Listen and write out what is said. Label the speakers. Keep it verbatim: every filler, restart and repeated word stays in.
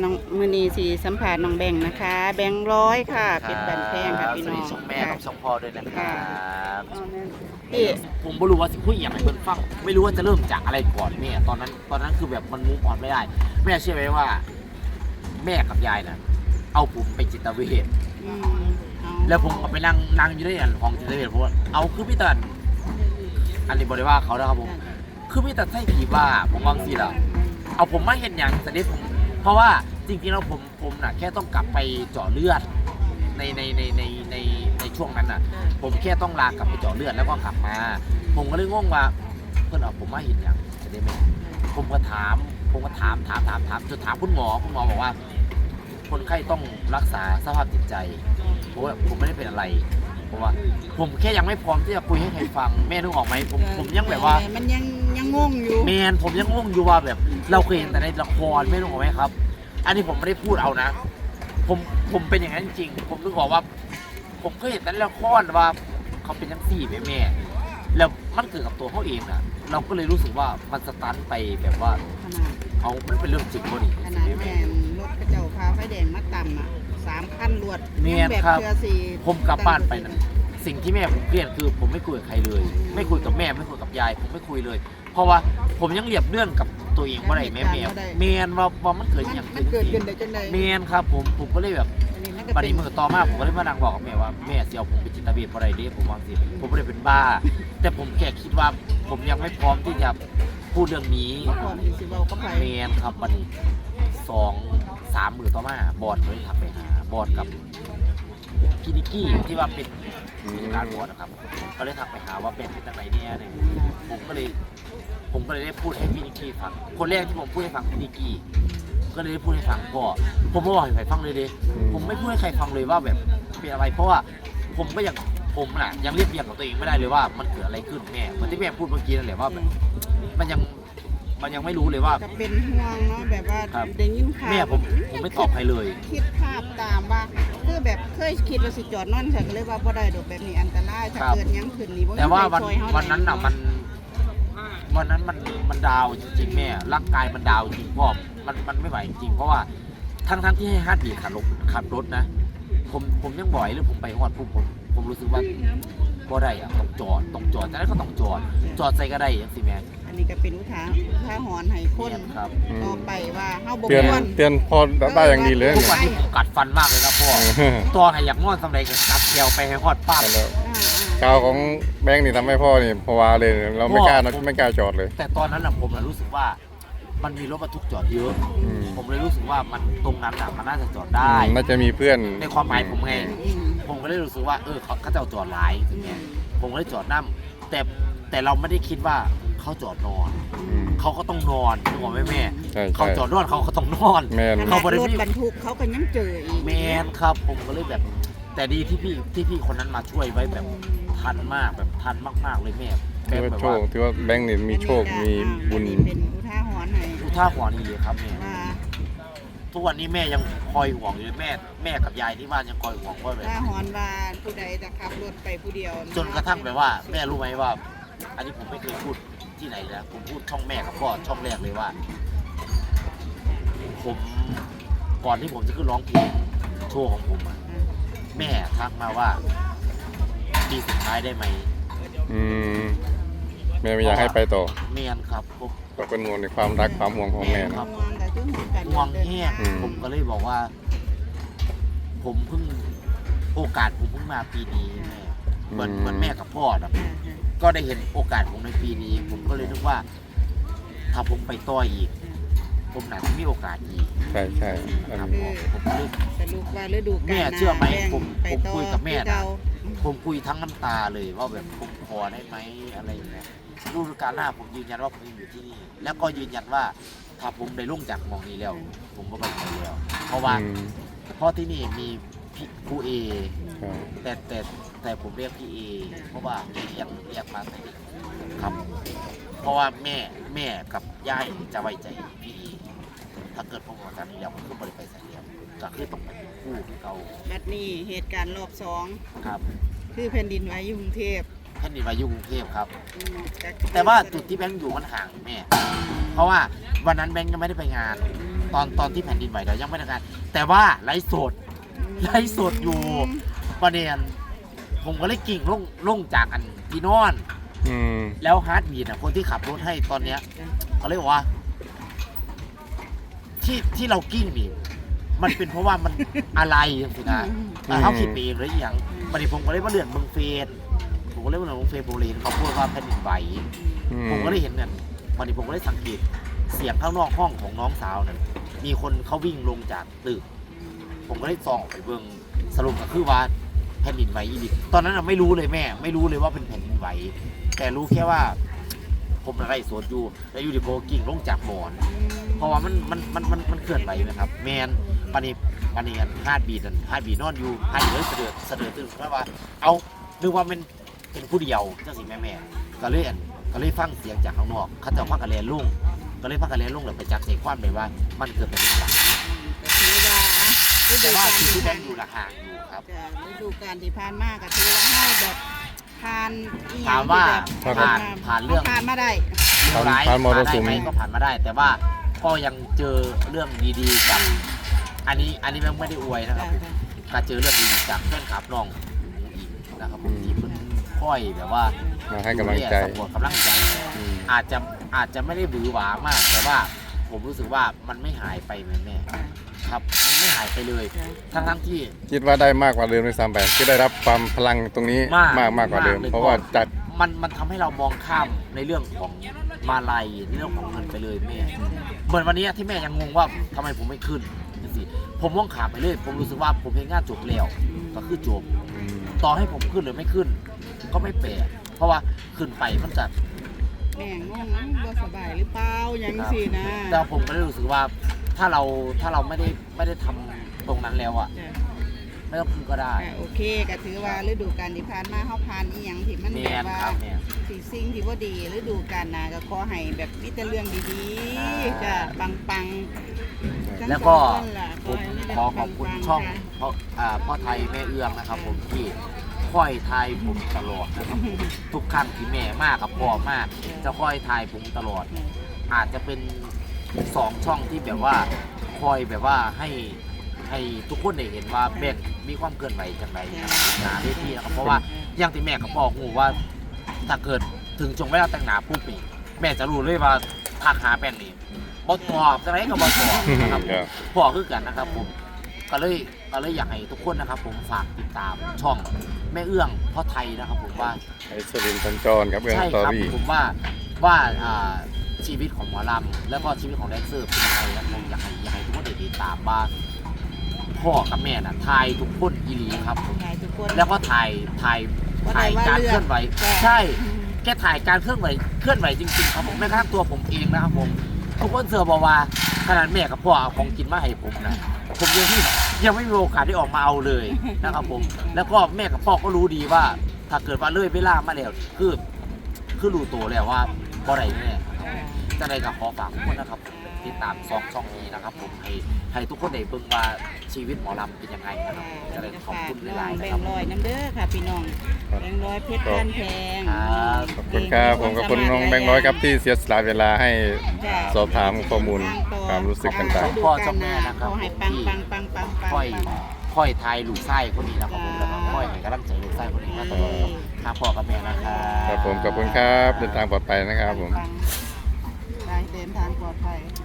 Speaker 1: น้องมือนีสีสัมผัสน้องแบงค์นะคะ แบงค์ร้อยค่ะเป็นบันแพงค่ะพี่น้อง
Speaker 2: สวัสดีช่องแม่กับช่องพ่อด้วยนะครับ
Speaker 1: พี่
Speaker 2: ผมไม่รู้ว่าสิคุยอย่างไรเพิ่นฟังไม่รู้ว่าจะเริ่มจากอะไรก่อนแม่ตอนนั้นตอนนั้นคือแบบมันมุกอ่อนไม่ได้แม่เชื่อไหมว่า แม่กับยายน่ะเอาผมไปจิตเวช
Speaker 1: อืมเอา
Speaker 2: แล้วผมก็ไปนั่งนั่งอยู่ในห้องจิตเวชเพราะว่าเอาคือพี่ตันอันนี้บริว่าเขานะครับผมคือพี่ตันใช่ผีบ้าผมวางสิล่ะเอาผมมาเห็นอย่างแต่นี้ผมเพราะว่าจริงๆแล้วผมผมน่ะแค่ต้องกลับไปเจาะเลือดในในในในในในช่วงนั้นน่ะ ผมแค่ต้องลากลับไปเจาะเลือดแล้วก็กลับมา ผมก็เลยงงว่าเพื่อนเอาผมมาเห็นอย่างจะได้ไหมผมก็ถามผมก็ถามถามถามถามจนถามคุณหมอคุณหมอบอกว่า คนไข้ต้องรักษาสภาพจิตใจเพราะว่าผมไม่ได้เป็นอะไรเพราะว่าผมแค่ยังไม่พร้อมที่จะคุยให้ใครฟังแม่นึกออกไหมผมผมยังแบบว่า
Speaker 1: มันยังยังงงอยู่
Speaker 2: แมนผมยังงงอยู่ว่าแบบ เราเคยเห็นแต่ในละครไม่รู้ไหมครับ อันนี้ผมไม่ได้พูดเอานะ ผมผมเป็นอย่างนั้นจริงผมนึกบอกว่า ผมเคยเห็นแต่ในละครว่าเขาเป็นทั้งสี่แม่แม่แล้วมันเกิดกับตัวเขาเองนะเราก็เลยรู้สึกว่ามันสตันไปแบบว่า
Speaker 1: ขนาด
Speaker 2: เอามันเป็นเรื่องจริงพอดี
Speaker 1: ขนาดแม่นรถกระเจ้าพาไฟแดงมาต่ำอ่ะสามขั้นรวด
Speaker 2: แม่น
Speaker 1: แบบ
Speaker 2: ครับ
Speaker 1: เชือสี
Speaker 2: ผมกลับบ้านไปนะสิ่งที่แม่ผมเครียดคือ ผมไม่คุยกับใครเลย ไม่คุยกับแม่ไม่คุยกับยายผมไม่คุยเลย เพราะว่าผมยังเรียบเรื่องกับตัวเองว่าไรแม่แม่แมนว่าว่ามันเกิด
Speaker 1: มัน
Speaker 2: อย่าง
Speaker 1: มันเกิดขึ้นได้จังได
Speaker 2: แมนครับผมผมก็เลยแบบ
Speaker 1: อันนี้มันก็
Speaker 2: บัด
Speaker 1: เป็น
Speaker 2: นี้มือต่อมาผมก็เลยมานั่งบอกกับแม่ว่าแม่เสียวผมเป็นจิตเวชเพราะอะไรเด้ผมวางสิผมไม่ได้เป็นบ้า แต่ผมแค่คิดว่าผมยังไม่พร้อมที่จะพูดเรื่องนี้
Speaker 1: บ่พร้อมที่สิเว้ากับไผ
Speaker 2: แมนครับบัดนี้สองสามมือต่อมาบอดเลยทักไปหาบอดกับพี่นิกกี้ที่ว่าเป็นการบอดนะครับก็เลยทักไปหาว่าเป็นเป็นอะไรเนี่ยเนี่ยผมก็เลยผมก็เลยได้พูดให้พี่นิกกี้ฟังคนแรกที่ผมพูดให้ฟังพี่นิกกี้ก็เลยได้พูดให้ฟังก็ผมไม่บอกให้ใครฟังเลยดิผมไม่พูดให้ใครฟังเลยว่าแบบเป็นอะไรเพราะว่าผมก็ยังผมน่ะยังเรียบเรียงกับตัวเองไม่ได้เลยว่ามันเกิดอะไรขึ้นแม่เหมือนที่แม่พูดเมื่อกี้นั่นแหละว่าแบบมันยังมันยังไม่รู้เลยว่า
Speaker 1: ก็เป็นห่วงเนาะแบบว่า
Speaker 2: ครับ
Speaker 1: ได้ยินข่าว
Speaker 2: แม่ผมผมไม่ตอบใครเลย
Speaker 1: คิดภาพตามว่าคือแบบเคยคิดว่าสิจอดนอนฉันก็เลยว่าบ่ได้ดอกแบบนี้อันตรายถ้า
Speaker 2: ครับ
Speaker 1: เกิดหยังขึ้นนี่บ่มี
Speaker 2: แต่ว่าวัน
Speaker 1: ใครช่ยเฮา
Speaker 2: วันนั้นน่ะมันวันนั้นมันมันดาวจริงๆแม่ร่างกายมันดาวจริงพ่อมันมันไม่ไหวจริงเพราะว่าทั้งทั้งที่ให้ฮาร์ดบีทขับรถขับรถนะ ผมผมยังบ่อยหรือผมไปฮอดปุ๊บผมผมรู้สึกว่าบ่ได้อะต้องจอดต้องจอดแต่นั้นก็ต้องจอด จอดใส่ก็ได้อย่างสิแม่
Speaker 1: อันนี้ก็เป็นอุทาอุทาหรณ์ให้คน
Speaker 2: ครับ
Speaker 1: ต่อไปว่าเฮาบ่
Speaker 3: เตือน
Speaker 1: ควร
Speaker 3: เตือนพอได้อย่างดีเลย
Speaker 2: ทุก
Speaker 3: เนี่ย
Speaker 2: วันนี้ผมกัดฟันมากเลยนะพ่อตัวไหนอยากนอนสำเร็จก็กัดแกวไปให้ฮอดป้า
Speaker 3: แต่แล้ว
Speaker 1: อ่า
Speaker 3: ข่าวของแบงค์นี่ทำให้พ่อนี่ภาวะเลยเราไม่กล้านะ
Speaker 2: พ่อ
Speaker 3: ไม่กล้าจอดเลย
Speaker 2: แต่ตอนนั้นน่ะผมน่ะรู้สึกว่ามันมีรถบรรทุกจอดเยอะ
Speaker 3: อืม
Speaker 2: ผมเลยรู้สึกว่ามันตรงนั้นน่ะมันน่าจะจอดได้
Speaker 3: น่าจะมีเพื่อน
Speaker 2: ในความหมายผมไง
Speaker 1: อืม
Speaker 2: ผมก็เลยรู้สึกว่าเออเขาเขาจะเอาจอดหลายถึงเนี้ยผมก็เลยจอดนั่แต่แต่เราไม่ได้คิดว่าเขาจอดนอน
Speaker 3: อืม
Speaker 2: เขาก็ต้องนอนนึกออกไหมแม่
Speaker 3: ใช่
Speaker 2: เขา
Speaker 3: ใช่
Speaker 2: จอดนอนเขาก็ต้องนอน
Speaker 3: แมน
Speaker 1: ขนา
Speaker 2: เขา
Speaker 1: ด
Speaker 2: บ่ได้
Speaker 1: รถ
Speaker 2: มี
Speaker 1: บรรทุกเขาก็ยังเจออีก
Speaker 2: แมนครับ ผมก็เลยแบบ แต่ดีที่พี่ที่พี่คนนั้นมาช่วยไว้แบบทันมากแบบทันมากๆเลยแม่
Speaker 3: ถือว่า
Speaker 2: แบบ
Speaker 3: โช
Speaker 2: ว่า
Speaker 3: คถือว่าแบงค์นี่มีโชคมีบุญ
Speaker 1: อันนี้เป็นอุทาหรณ์ให้
Speaker 2: ดูท่าหัวนี่เลยครับแม่
Speaker 1: ว่า
Speaker 2: ทุกวันนี้แม่ยังคอยห่วงอยู่เลยแม่แม่กับยายที่บ้านยังคอยห่วงว่าแบบ
Speaker 1: อุทาหรณ์ว่าผู้ใดจะขับรถไปผู้เดียว
Speaker 2: จนกระทั่งแบบว่าแม่รู้ไหมว่า อันนี้ผมไม่เคยพูดที่ไหนนะผมพูดช่องแม่กับพ่อช่องแรกเลยว่า ผมก่อนที่ผมจะขึ้นร้องเพลงโชว์ของผมอะแม่ทักมาว่าปีสุดท้ายได้ไหม
Speaker 3: อืมแม่ไม่อยากให้ไปต่อ
Speaker 2: เมียนครับผม
Speaker 3: ก็เป็นห่วงในความรักความห่วงของแม่
Speaker 1: ห่
Speaker 3: นะ
Speaker 1: วงแต่ถึงห่วงกัน
Speaker 2: ห่วงแห้ง
Speaker 3: อืม
Speaker 2: ผมก็เลยบอกว่า ผมเพิ่งโอกาสผมเพิ่งมาปีนี้แม่เหมือนเหมือนแม่กับพ่อนะ
Speaker 1: อ่า
Speaker 2: ก็ได้เห็นโอกาสผมในปีนี้ ผมก็เลยนึกว่า ถ้าผมไปต่ออีก ผมน่าจะมีโอกาสอีก
Speaker 3: ใช่ใช่อัน
Speaker 2: ครับ
Speaker 3: นี้
Speaker 2: ผมผมเลย
Speaker 1: สรุปว่าฤดูกาล
Speaker 2: แม่เชื่อไหม
Speaker 1: น้า
Speaker 2: ผม
Speaker 1: ไป
Speaker 2: ผม
Speaker 1: ต่อ
Speaker 2: คุยกับแม่นะ
Speaker 1: ที่เรา
Speaker 2: ผมคุยทั้งน้ำตาเลยว่าแบบผมขอได้ไหมอะไรอย่างเงี้ยฤดูกาลหน้าผมยืนยันว่าผมยังอยู่ที่นี่ แล้วก็ยืนยันว่า ถ้าผมได้ลงจากหมองนี้แล้ว ผมก็ไปไหนแล้ว เพราะว่า
Speaker 3: อืม
Speaker 2: เพราะที่นี่มีพี่ครูเอ
Speaker 3: ใช่
Speaker 2: แต่แต่แต่ผมเรียกพี่เอเพราะว่าเรียกเรียกมาแต่เด็กครับ เพราะว่าแม่แม่กับย่ายจะไว้ใจพี่เอถ้าเกิดผมออกจากนี้แล้วผมก็บริไปใส่เดียวก็คือต้องไปคู่ที่เขา
Speaker 1: บัดนี้เหตุการณ์รอบสอง
Speaker 2: ครับ
Speaker 1: คือแผ่นดินไหวอยู่กรุงเทพ
Speaker 2: แผ่นดินไหวอยู่กรุงเทพครับ
Speaker 1: อืมก็
Speaker 2: แต่ว่าจุดที่แบงค์อยู่มันห่างแม่ เพราะว่าวันนั้นแบงค์ยังไม่ได้ไปงาน
Speaker 1: อืม
Speaker 2: ตอนตอนที่แผ่นดินไหวเรายังไม่ได้การแต่ว่าไลฟ์สดไลฟ์สดอยู่ประเด็นผมก็เลยกิ่งลงลงจากอันที่นอน
Speaker 3: อืม
Speaker 2: แล้วฮาร์ดบีทอ่ะคนที่ขับรถให้ตอนเนี้ยเขาเรียกว่า ที่ที่เรากิ้งนี่มันเป็นเพราะว่ามันอะไรสินะแต่เขาคิดไปเองหรือยังวันนี้ผมก็เลยว่าเรื่องเมืองเฟนผมก็เลยว่าเรื่องเมืองเฟนโบเลนเขาพูดว่าแผ่นดินไหว
Speaker 3: อื
Speaker 2: ผมก็เลยเห็นเนี่ยวันนี้ผมก็เลยสังเกตเสียงข้างนอกห้องของน้องสาวนั่นมีคนเขาวิ่งลงจากตึกผมก็เลยส่องไปเบิ่งสรุปก็คือว่าแผ่นดินไหวอีดิตอนนั้นเราไม่รู้เลยแม่ ไม่รู้เลยว่าเป็นแผ่นดินไหวแต่รู้แค่ว่า ผมอะไรสวนอยู่แล้วอยู่ดีโบกิ่งลงจากหมอนเพราะว่ามันมันมันมันมันเคลื่อนไหวนะครับแมนปานีปานีกันฮาดบีดันฮาดบีนอนอยู่ฮาดบีเลยเสด็จเสด็จตื่นเพราะว่า เอานึกว่ามันเป็นผู้เดียวเจ้าสิแม่แม่ก็เลยอันก็เลยฟังเสียงจากข้างนอกเขาจะพักกันแลนลุ่งก็เลยพักกันแลนลุ่งแล้วไปจับใจความเลยว่ามันเกิดเป็นอะไร
Speaker 1: ก็ถือว่าฤดู
Speaker 2: แต่ว่าก
Speaker 1: าล
Speaker 2: สิ่ง
Speaker 1: ที่
Speaker 2: ที่แบ
Speaker 1: ผ่าง น
Speaker 2: ค์อยู่ละห่างอยู่ครับ
Speaker 1: จะฤดูกาลที่ผ่านมาก็ถือว่าให้แบบผ่านอีหยั
Speaker 2: ถาง มว่า
Speaker 1: ที่แบบ
Speaker 2: ผ่านผ่านเรื่อง
Speaker 1: ผ่านมาได้
Speaker 3: ผ่าน
Speaker 2: ร้าย
Speaker 3: ผ่านมรสุม
Speaker 2: ผ่านได้ไหมก็ผ่านมาได้ แต่ว่าก็ยังเจอเรื่องดีๆกับอันนี้อันนี้ไม่ได้อวยนะครับผมการเจอเรื่องดีๆจากเพื่อนขับน้องอีกนะครับผมที่เพิ่นค่อยแบบว่า
Speaker 3: มาให้กำลังใจ
Speaker 2: สปอร์ตกำลังใจ
Speaker 3: อืม
Speaker 2: อาจจะอาจจะไม่ได้บือหวามาก แต่ว่าผมรู้สึกว่ามันไม่หายไปแม่แม่ครับมันไม่หายไปเลยทั้งทั้งๆที่
Speaker 3: คิดว่าได้มากกว่าเดิมด้วยซ้ำไปคิดได้รับความพลังตรงนี้
Speaker 2: มาก
Speaker 3: มากมากกว่าเดิม
Speaker 2: มากเลย
Speaker 3: เพราะว่าจัด
Speaker 2: มันมันทำให้เรามองข้ามในเรื่องของมาลัยในเรื่องของเงินไปเลยแม่เหมือนวันนี้ที่แม่ยังงงว่าทำไมผมไม่ขึ้นจังสิผมมองขาไปเลย ผมรู้สึกว่าผมเพลงงานจบแล้วก็คือจบ
Speaker 3: อืม
Speaker 2: ต่อให้ผมขึ้นหรือไม่ขึ้น ก็ไม่แปลกเพราะว่าขึ้นไปมันจะ
Speaker 1: แม่งงงบ่สบายหรือเปล่าอย่างสินะ
Speaker 2: แต่ผมก็เลยรู้สึกว่าถ้าเราถ้าเราไม่ได้ไม่ได้ทำตรงนั้นแล้วอ่ะ
Speaker 1: จ้ะ
Speaker 2: ไม่ต้องขึ้นก็ได้
Speaker 1: อ่ะโอเคก็ถือว่าฤดูกาลที่ผ่านมาเฮาผ่านอีหยังที่มัน
Speaker 2: แม
Speaker 1: แบบ
Speaker 2: น
Speaker 1: ว่า
Speaker 2: ครับแม่
Speaker 1: สิ่งสิ่งที่บ่ดีฤดูกาลหน้าก็ขอให้แบบมีแต่เรื่องดี
Speaker 2: อ่า
Speaker 1: ๆจ้ะปังๆทั้ง
Speaker 2: แล้วก็
Speaker 1: สองคนล่ะ
Speaker 2: ผม
Speaker 1: ให้มีแต่
Speaker 2: ขอขอบคุณ
Speaker 1: ปัๆ
Speaker 2: ช่อง
Speaker 1: ค่ะ
Speaker 2: เพราะอ่าพ่อไทยแม่เอื้องนะครับ ผมที่คอยทายผมตลอดนะครับผมทุกครั้งที่แม่มากกับพ่อมาก จะคอยทายผมตลอด อาจจะเป็นสองช่องที่แบบว่าคอยแบบว่าให้ให้ทุกคนได้เห็นว่าแบ่งมีความเกินไหวจังไรนะครับหนาเวทีนะครับเพราะว่าอย่างที่แม่ก็บอกหูว่าถ้าเกิดถึงจงเวลาแต่งหนาปุ๊บนี่แม่จะรู้เลยว่าทักหาแป้งนี่บอตอบจังไรก็บอตอบนะครับ
Speaker 3: ครับ
Speaker 2: พอคือกันนะครับผมก็เลยก็เลยอยากให้ทุกคนนะครับ ผมฝากติดตามช่องแม่เอื้องพ่อไทยนะครับ ผมว่า
Speaker 3: ไอ้สรินทร์สัญจรครับเรื่อง
Speaker 2: ใช่
Speaker 3: สตอ
Speaker 2: ครับ
Speaker 3: รี่
Speaker 2: ผมว่าว่าอ่าชีวิตของหมอลำแล้วก็ชีวิตของแดนเซอร์เป็นยังไงนะผมอยากให้อยากให้ทุกคนได้ติดตามว่าพ่อกับแม่น่ะทายทุกคนอีหลีครับผม
Speaker 1: ให้ทุกคน
Speaker 2: แล้วก็ถ่ายถ่าย
Speaker 1: ว่าได้
Speaker 2: ถ่าย
Speaker 1: ว่า
Speaker 2: การ
Speaker 1: เลือก
Speaker 2: เคลื่อนไหว
Speaker 1: ใช่
Speaker 2: ใช่แกถ่ายการเคลื่อนไหวเคลื่อนไหวจริงๆครับผมแม้กระทั่งตัวผมเองนะครับผมทุกคนเสือบอกว่าขนาดแม่กับพ่อเอาของกินมาให้ผมนะผมยังที่ยังไม่มีโอกาสได้ออกมาเอาเลยนะครับผมแล้วก็แม่กับพ่อก็รู้ดีว่า ถ้าเกิดว่าเลยเวลามาแล้วคือคือรู้ตัวแล้วว่าบ่ได้แน่จะได้กับขอฝากทุกคนนะครับติดตามซองช่องนี้นะครับผมให้ให้ทุกคนได้เบิ่งว่าชีวิตหมอลำเป็นยังไงนะครับจะได้ขอบคุณหลายๆ
Speaker 1: แบ
Speaker 2: นะ
Speaker 1: ง
Speaker 2: ครับ
Speaker 1: ค์ร้อยน้ำเด้อค่ะพี่น้องแบงค์ร้อยเพชรพันแพง
Speaker 2: ครับ
Speaker 3: ขอบคุณครับผมขอบคุณน้องแบงค์ร้อยครับที่เสียสละเวลาให้
Speaker 1: จ้ะ
Speaker 3: สอบถามข้อมูลความรู้สึกต่าง
Speaker 2: พ่อเจ้าแม่นะครับ
Speaker 1: ขอให้ปังปังปังปังปัง
Speaker 2: ค่อยค่อยทายลูกไส้คนนี้นะครับผมแล้วก็ค่อยให้กำลังใจลูกไส้คนนี้มาตลอดครับพ่อกับแม่นะครับ
Speaker 3: ๆครับผมขอบคุณครับเดินทางปลอดภัยนะครับผม
Speaker 1: ได้เดินทางปลอดภัย